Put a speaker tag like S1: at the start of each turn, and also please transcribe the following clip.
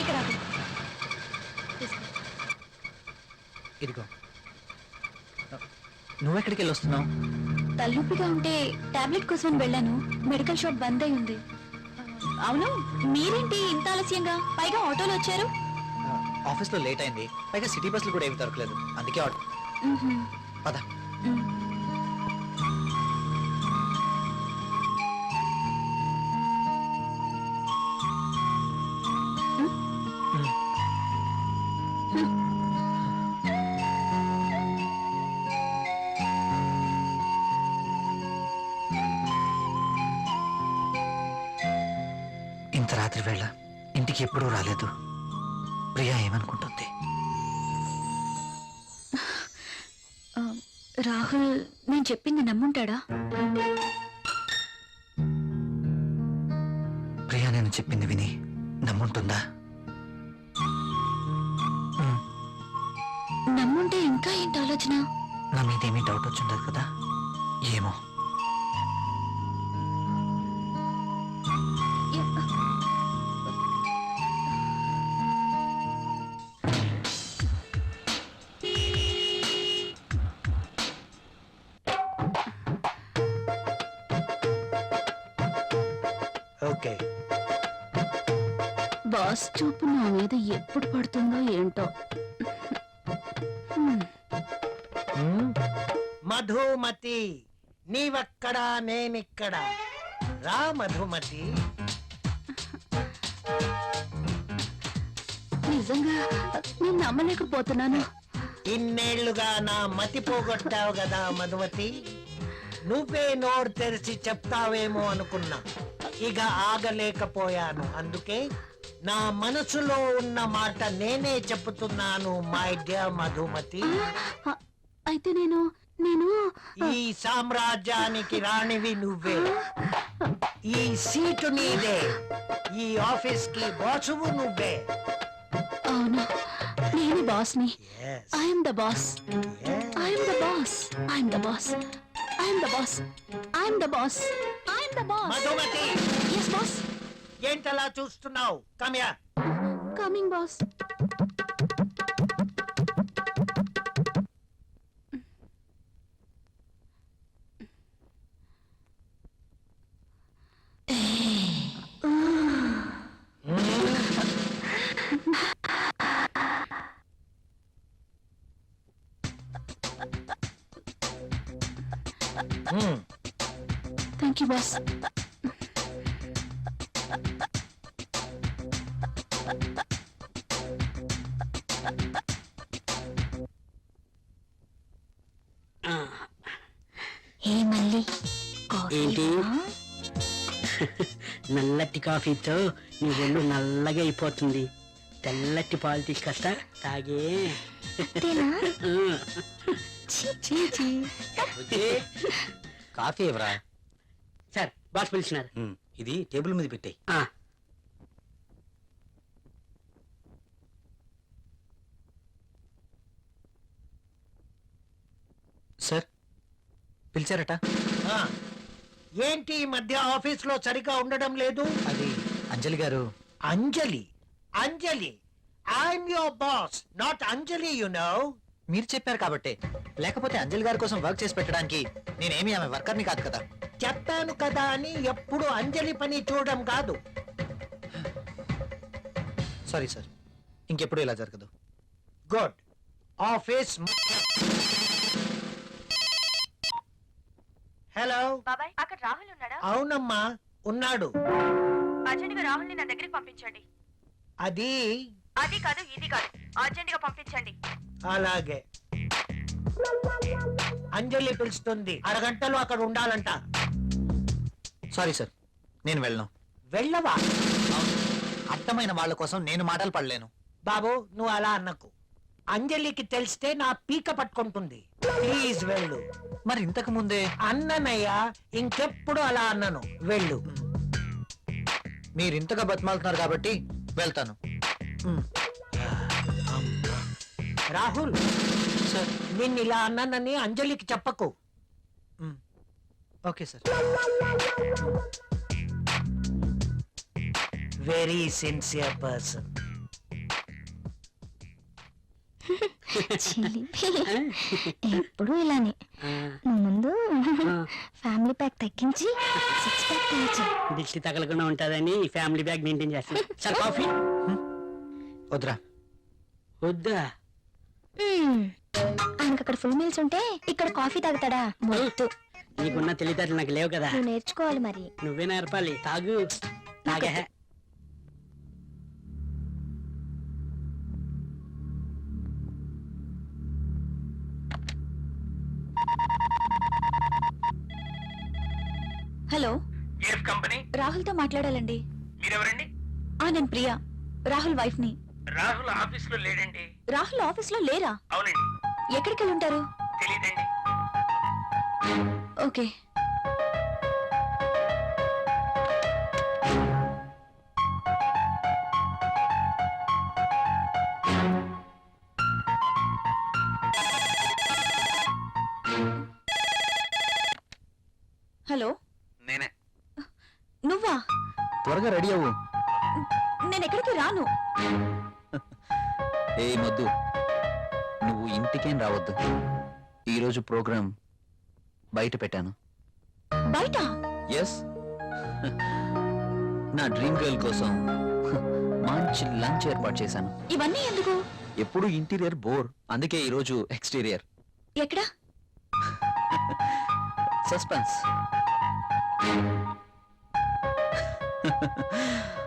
S1: ఇక్కడ
S2: ఇదిగో. నువ్వెక్కడికి వెళ్ళి వస్తున్నావు?
S1: తలనొప్పిగా ఉంటే టాబ్లెట్ కోసం వెళ్ళాను. మెడికల్ షాప్ బంద్ అయి ఉంది. అవును, మీరేంటి ఇంత ఆలస్యంగా, పైగా ఆటోలో వచ్చారు?
S2: ఆఫీస్లో లేట్ అయింది, పైగా సిటీ బస్సులు కూడా ఏమి దొరకలేదు, అందుకే ఆటో. పద. ఇంత రాత్రి వేళ ఇంటికి ఎప్పుడూ రాలేదు. ప్రియా ఏమనుకుంటుంది?
S1: రాహుల్ నేను చెప్పింది నమ్ముంటాడా?
S2: ప్రియా నేను చెప్పింది విని నమ్ముంటుందా?
S1: నమ్ముంటే ఇంకా ఏంటి ఆలోచన?
S2: నా మీదేమీ డౌట్ వచ్చిండదు కదా? ఏమో. ఓకే.
S1: బాస్ చూపు నా మీద ఎప్పుడు పడుతుందో ఏంటో.
S3: మధుమతి, నీవక్కడా నేనిక్కడ. రా మధుమతి.
S1: నిజంగా నేను నమ్మలేకపోతున్నాను.
S3: ఇన్నేళ్లుగా నా మతి పోగొట్టావు కదా మధుమతి. నువ్వే నోరు తెరిచి చెప్తావేమో అనుకున్నా, ఇక ఆగలేకపోయాను. అందుకే నా మనసులో ఉన్న మాట నేనే చెప్తున్నాను మై డియర్ మధుమతి.
S1: అయితే నేను నేను
S3: ఈ సామ్రాజ్యానికి రాణివి నువ్వే. ఈ సీటు నీదే. ఈ ఆఫీస్ కి బాసువు నువ్వే.
S1: అవును, నేను బాస్ని.
S3: Yes.
S1: I'm the boss.
S3: Yes.
S1: I'm the boss. I'm the boss. I'm the boss. I'm the boss. I'm the boss.
S3: Madhumathi,
S1: yes boss.
S3: ఏంటలా చూస్తున్నావు? కమ్యా.
S1: Coming boss. Thank you boss. ఏ మళ్ళీ
S4: ఏంటి? నల్లటి కాఫీతో నీ ఒళ్ళు నల్లగా అయిపోతుంది. తెల్లటి పాలు తీసుకొస్తా, తాగే.
S2: కాఫీ ఎవరా?
S4: సార్, బాస్ పిలిచినారు.
S2: ఇది టేబుల్ మీద పెట్టాయి. సార్ పిలిచారట.
S3: ఆ, ఏంటి ఈ మధ్య ఆఫీస్ లో సరిగా ఉండడం లేదు?
S2: అది Anjali garu.
S3: Anjali? Anjali, I'm your boss, not Anjali, you know.
S2: మీరు చెప్పారు కాబట్టి, లేకపోతే అంజలి గారి కోసం వర్క్ చేసి పెట్టడానికి నేనేమి ఆమె వర్కర్ని కాదు కదా.
S3: చెప్పాను కదా అని ఎప్పుడు అంజలి పని చూడడం కాదు.
S2: సారీ సార్, ఇంకెప్పుడు ఇలా జరగదు.
S3: గుడ్. ఆఫీస్. హలో
S5: బాబాయ్, అక్కడ రాహుల్ ఉన్నాడా?
S3: అవునమ్మా, ఉన్నాడు.
S5: అర్జెంట్ గా రాహుల్ ని నా దగ్గరికి పంపించండి.
S3: అది
S5: అది కాదు, ఇది కాదు, అర్జెంట్ గా పంపించండి.
S3: అలాగే. అంజలి పిలుస్తుంది, అరగంటలో అక్కడ ఉండాలంట.
S2: సారీ సార్, నేను వెళ్ళను.
S3: వెళ్ళవా?
S2: అర్థమైన వాళ్ళ కోసం నేను మాటలు పడలేను.
S3: బాబు, నువ్వు అలా అన్నకు. అంజలికి తెలిస్తే నా పీక పట్టుకుంటుంది. ప్లీజ్ వెళ్ళు.
S2: మరి ఇంతకు ముందే
S3: అన్ననయ్యా, ఇంకెప్పుడు అలా అన్నను. వెళ్ళు.
S2: మీరు ఇంతగా బతిమాలుతున్నారు కాబట్టి వెళ్తాను.
S3: రాహుల్
S2: సార్.
S3: నిన్ను ఇలా అన్నానని అంజలికి చెప్పకు.
S2: Okay sir.
S3: Very sincere person.
S1: Chilli. ఎప్పుడు ఇలానే నువ్వు ముందు ఫ్యామిలీ ప్యాక్ తగ్గించి 6 ప్యాక్ తగ్గించి
S4: దిష్టి తగలకుండా ఉంటుందని ఫ్యామిలీ బ్యాగ్ మెయింటైన్ చేస్తాను. సార్ కాఫీ
S2: వద్దురా.
S4: వద్దా?
S1: ఆయనకు అక్కడ ఫుల్ మీల్స్ ఉంటే ఇక్కడ కాఫీ తాగుతాడా? మొద్దు.
S4: నీకున్న తెలివితేటలు నాకు లేవు కదా,
S1: నువ్వు నేర్చుకోవాలి మరి.
S4: నువ్వే నేర్పాలి. తాగు. తాగే.
S1: హలో,
S3: ఏఎఫ్ కంపెనీ
S1: రాహుల్ తో మాట్లాడాలండి.
S3: మీరెవరండి?
S1: నేను ప్రియా, రాహుల్ వైఫ్ ని.
S3: రాహుల్ ఆఫీస్ లో లేడండి.
S1: రాహుల్ ఆఫీస్ లో లేరా?
S3: అవునండి.
S1: ఎక్కడికి వెళ్ళి ఉంటారు?
S3: తెలీదండి.
S1: ఓకే. హలో,
S3: నేనే.
S1: నువ్వా?
S2: త్వరగా రెడీ అవ్వు.
S1: నేను ఎక్కడికి రాను.
S2: ఏ మొద్దు, నువ్వు ఇంటికేం రావద్దు. ఈరోజు ప్రోగ్రాం బయట పెట్టాను.
S1: బయట?
S2: ఎస్, నా డ్రీమ్ గర్ల్ కోసం మంచి లంచ్ ఏర్పాటు చేశాను.
S1: ఇవన్నీ ఎందుకు?
S2: ఎప్పుడు ఇంటీరియర్ బోర్, అందుకే ఈరోజు ఎక్స్టీరియర్.
S1: ఎక్కడ?
S2: సస్పెన్స్.